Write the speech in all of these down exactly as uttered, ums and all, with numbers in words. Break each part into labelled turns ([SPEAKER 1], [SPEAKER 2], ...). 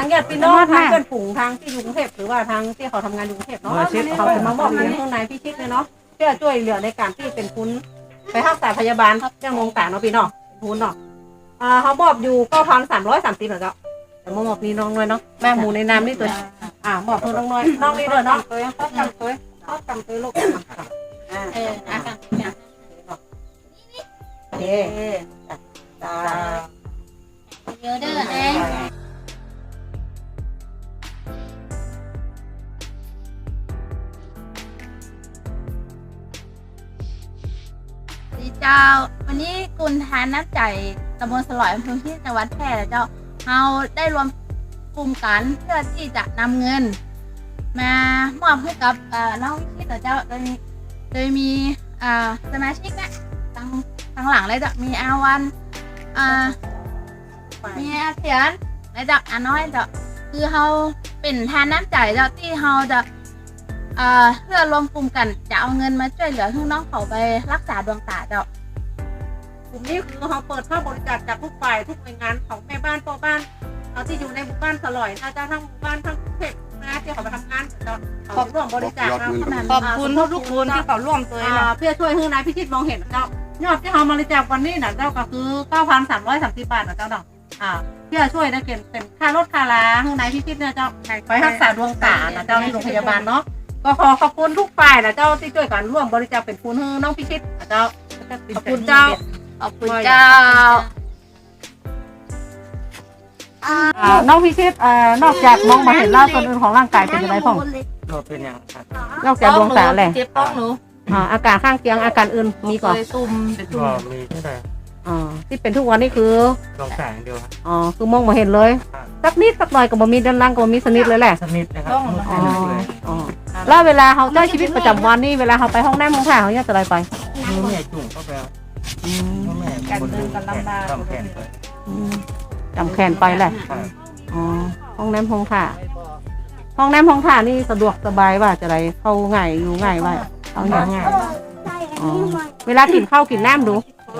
[SPEAKER 1] ญาติพี่น้องทางเพื่อนฝูงทางที่อยู่กรุงเทพหรือว่าทางที่เขาทำงานอยู่กรุงเทพเนาะเขาจะมามอบเงินข้างในพี่ชิดเลยเนาะเพื่อช่วยเหลือในการที่เป็นคุณไปรักษาพยาบาลเรื่องโรงต่างเนาะพี่เนาะทุนเนาะอ่าเขามอบอยู่เก้าพันสามร้อยสามสิบเหรอเจ้าแต่มอบนี่น้องน้อยเนาะแม่หมูในน้ำนี่ตัวอ่ามอบเพื่อน้องน้อยน้องนี่ด้วยเนาะตัวเขาจำตัวเขาจำตัวลูกอ่าเอออ่ะโอเคจ้า
[SPEAKER 2] เยอะเด้อเองดีเจ้าวันนี้กุลทานน้ำใจตำบลสลอยอำเภอที่จังหวัดแพร่เจ้าเราได้รวมกลุ่มกันเพื่อที่จะนำเงินมามอบให้กับน้องวิชิตเจ้าโดยโดยมีสมาชิกนะทางทางหลังเลยจ้ะมีอาวันมีอาเทียนและจ้ะอาน้อยจ้ะคือเราเป็นทานน้ำใจเจ้าที่เราจะเพื่อรวมกลุ่มกันจะเอาเงินมาช่วยเหลือให้น้องเขาไปรักษาดวงตาเจ้ากลุ่มนี้คือเราเปิดเข้าบริจาคจากทุกฝ่ายทุกหน่วยงานของแม่บ้านพ่อบ้านเอาที่อยู่ในหมู่บ้านสลอยนะเจ้าทั้งหมู่บ้านทั้งเขตนะที่เขาไปทำงานเจ้าขอบร่วมบริจาคนะ
[SPEAKER 3] ขอบคุณทุกคนที่เขาร่วมตัว
[SPEAKER 1] เพื่อช่วยให้นายพิชิตมองเห็นเจ้ายอดที่เราบริจาควันนี้นะเจ้าก็คือเก้าพันสามร้อยสามสิบบาทนะเจ้าเนาะอ่าเพื่อช่วยได้เก็บเป็นค่ารถค่าลาให้นายพิชิตเนี่ยเจ้าไปรักษาดวงตานะเจ้าที่โรงพยาบาลเนาะก็ขอขอบคุณทุกฝ่ายนะเจ้าที่ช่วยกันร่วมบริจาคเป็นทุนให้น้องพิชิตนะเจ้าขอบคุณเจ้า
[SPEAKER 2] ขอบคุณเจ้า
[SPEAKER 1] น้องพิชิตนอกจากมองมาเห็นล่าส่วนอื่นของร่างกายเป็นยังไงพ่อง
[SPEAKER 3] เราเป็นอย่างครับ
[SPEAKER 1] นอกจากดวงตาแหละ
[SPEAKER 2] เจ็บป้องหนู
[SPEAKER 1] อาการข้างเคียงอาการอื่นมีก่อน
[SPEAKER 2] ตุ่มเป็นตุ่ม
[SPEAKER 3] มีเท่าไหร่
[SPEAKER 1] อ๋อที่เป็นทุกวันนี้คือ
[SPEAKER 3] ดวงตาอย่างเดียวครับ
[SPEAKER 1] อ๋อคือมองมาเห็นเลยสักนิดสักหน่อยก็บ่มีด้านล่างก็บ่มีสนิทเลยแหละ
[SPEAKER 3] สนิทนะครับ
[SPEAKER 1] อ๋ออ๋อแล้วเวลาเขาใช้ชีวิตประจำวันนี่เวลาเขาไปห้องน้ำห้องถ่ายเขาเนี่ยจะอะไรไป
[SPEAKER 3] มือแม่จุ่มเข้าไป
[SPEAKER 2] การเดินกันลำบาก
[SPEAKER 3] จำแขนไป
[SPEAKER 1] จำแขนไปแหละอ๋อห้องน้ำห้องถ่ายห้องน้ำห้องถ่ายนี่สะดวกสบายว่าจะอะไรเข้าง่ายอยู่ง่ายว่าเอาง่ายอ๋อเวลากินข้าวกินน้ำดู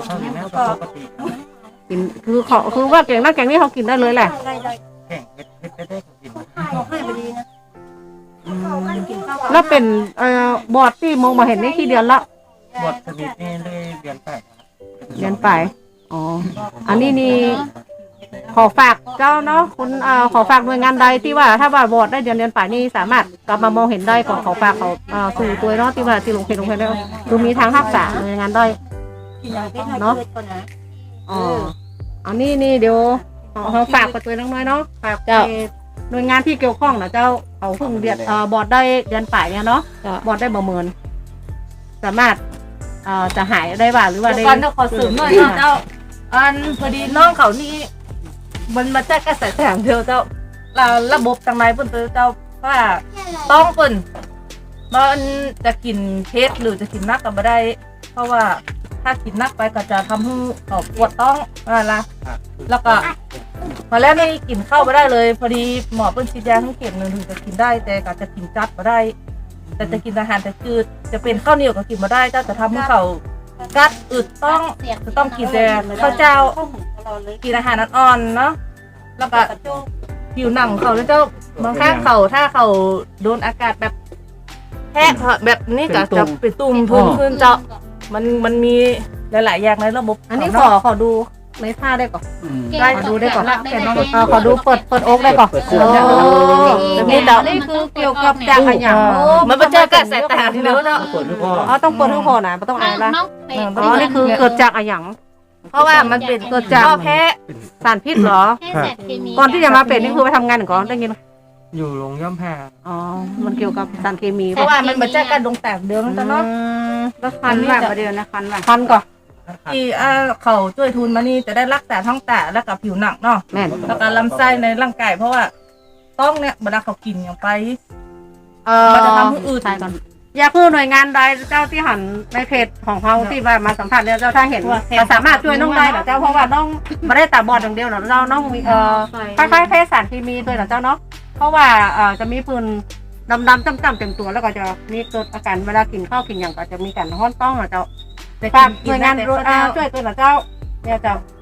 [SPEAKER 1] กินคือเขาคือว่าแกงน้ำแกงนี่เขากินได้เลยแหละ
[SPEAKER 3] แข่งเผ็ดได้ก็กิน
[SPEAKER 1] แล้วเป็นเอ่อบอดที่มองมาเห็นนี่กี่เดือนละ
[SPEAKER 3] บอดสนิทนี่ได้เดือนไป
[SPEAKER 1] เดือนไปอ๋ออันนี้นี่ขอฝากเจ้าเนาะคุณเอ่อขอฝากหน่วยงานใดที่ว่าถ้าว่าบอดได้เดือนเดือนไปนี่สามารถกลับมามองเห็นได้ก็ขอฝากเขาเอ่อสู่ตัวเนาะที่ว่าที่ลงเพจลงเพจแล้วดูมีทางรักษาหน่วยงานได้เนาะอ๋ออันนี้นี่เดี๋ยวเขาฝากกับตัวน้อยๆเนาะฝากเจ้าหน่วยงานที่เกี่ยวข้องนะเจ้าเขาเพิ่งเดือนเอ่อบอดได้เดือนป่ายเนี่ยเนาะบอดได้ประเมินสามารถเอ่อจะหายได้บ้างหรือว่าได้
[SPEAKER 2] ก่อนจะขอเสริมหน่อยเจ้าอันพอดีน้องเขานี่มันมาจากกระแสแสงเดียวเจ้าระบบทางในเพิ่นเจ้าว่าต้องเพิ่นมันจะกินเผ็ดหรือจะกินนักก็ไม่ได้เพราะว่าถ้ากินนักไปก็จะทำให้เขาปวดต้องอะไรแล้วก็พอแล้วนี่กินข้าวไม่ได้เลยพอดีหมอเพิ่นชี้แจงทั้งเข็มหนึ่งถึงจะกินได้แต่ก็จะกินจัดไม่ได้แต่จะกินอาหารแต่จืดจะเป็นข้าวเหนียวก็กินไม่ได้เจ้าจะทำให้เขากัดอึดต้องจะต้องกินแต่ข้าวเจ้ากินอาหารอ่อนๆเนาะแล้วก็ผิวหนังเขาแล้วเจ้าบางครั้งเขาถ้าเขาโดนอากาศแบบแห้งแบบนี้ก็จะเป็นตุ่มพื้นขึ้นเจ้ามันมันมีหลายๆอย่างในระบบ
[SPEAKER 1] อันนี้ขอขอดูในท่าได้ก่อนได้ขอดูได้ก่อนขอดูเปิดเปิดโอ๊กได้ก่อนโอ้นี่เจ้านี่คือเกี่ยวกับจากอะไรอย่าง
[SPEAKER 2] มันมาเจอกันสายตาเนื้อเนาะ
[SPEAKER 1] อ๋อต้องเปิดทุกคนนะไม่ต้องอายละอ๋อนี่คือเกิดจากอะไรอย่าง
[SPEAKER 2] เพราะว่ามันเป็น
[SPEAKER 1] เกิดจาก
[SPEAKER 2] แพ้
[SPEAKER 1] สารพิษเหรอก่อนที่จะมาเป็นนี่คือไปทำงานก่อนได้ยิน
[SPEAKER 3] อยู่โรงย่อมแพ้
[SPEAKER 1] อ๋อมันเกี่ยวกับสารเคมี
[SPEAKER 2] เพราะว่ามันมาจากการดงแตกเดิมตอนนั้น
[SPEAKER 1] แล้วคันแบบประเดี๋ยวนะคันแบบคันก่อน
[SPEAKER 2] ที่เขาช่วยทุนมานี่จะได้รักษาท้องตาและกับผิวหนักเนาะแล้วก็ลำไส้ในร่างกายเพราะว่าต้องเนี่ยเวลาเขากินอย่างไปมันจะทำให้อืด
[SPEAKER 1] ใช่ก่อนอยากพูดหน่วยงานใดเจ้าที่หันในเพจของเขาที่ว่ามาสัมผัสเนี่ยเจ้าถ้าเห็นเราสามารถช่วยน้องได้หรอเจ้าเพราะว่าน้องไม่ได้ตาบอดอย่างเดียวหรอกเจ้าน้องมีเอ่อคล้ายๆเพศสารเคมีด้วยหรอเจ้าเนาะเพราะว่าเอ่อจะมีปืนดำๆจ้ำๆเต็มตัวแล้วก็จะมีเกิดอาการเวลากินข้าวกินอย่างก็จะมีการห้อนต้องหรอเจ้าแต่การหน่วยงานช่วยตัวหรอเจ้าเนี่ยเจ้า